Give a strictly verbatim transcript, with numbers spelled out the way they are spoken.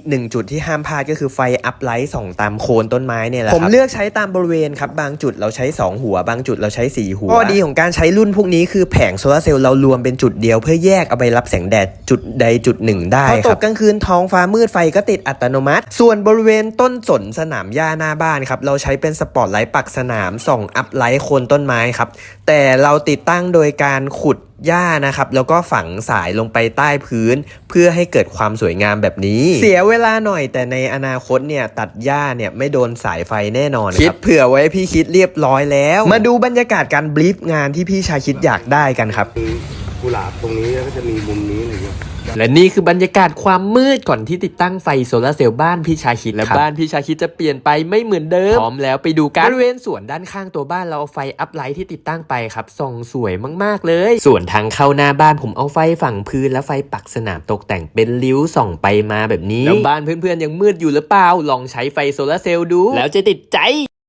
หนึ่งจุดที่ห้ามพลาดก็คือไฟอัพไลท์ส่องตามโคนต้นไม้เนี่ยแหละครับผมเลือกใช้ตามบริเวณครับบางจุดเราใช้สองหัวบางจุดเราใช้สี่หัวข้อดีของการใช้รุ่นพวกนี้คือแผงโซลาร์เซลล์เรารวมเป็นจุดเดียวเพื่อแยกเอาไปรับแสงแดดจุดใดจุดหนึ่งได้ครับพอตกกลางคืนท้องฟ้ามืดไฟก็ติดอัตโนมัติส่วนบริเวณต้นสนสนามหญ้าหน้าบ้านครับเราใช้เป็นสปอตไลท์ปักสนามส่องอัพไลท์โคนต้นไม้ครับแต่เราติดตั้งโดยการขุดหญ้านะครับแล้วก็ฝังสายลงไปใต้พื้นเพื่อให้เกิดความสวยงามแบบนี้เสียเวลาหน่อยแต่ในอนาคตเนี่ยตัดหญ้าเนี่ยไม่โดนสายไฟแน่นอนครับคิดเผื่อไว้พี่คิดเรียบร้อยแล้วมาดูบรรยากาศการบลีฟงานที่พี่ชาคิดอยากได้กันครับกุหลาบตรงนี้แล้วก็จะมีมุมนี้อะไรอย่างเงี้ยและนี่คือบรรยากาศความมืดก่อนที่ติดตั้งไฟโซลาร์เซลล์บ้านพี่ชาคิดและบ้านพี่ชาคิดจะเปลี่ยนไปไม่เหมือนเดิมพร้อมแล้วไปดูกันบริเวณสวนด้านข้างตัวบ้านเราเอาไฟอัพไลท์ที่ติดตั้งไปครับส่องสวยมากๆเลยส่วนทางเข้าหน้าบ้านผมเอาไฟฝั่งพื้นและไฟปักสนามตกแต่งเป็นริ้วส่องไปมาแบบนี้แล้วบ้านเพื่อนๆยังมืดอยู่หรือเปล่าลองใช้ไฟโซลาร์เซลล์ดูแล้วจะติดใจ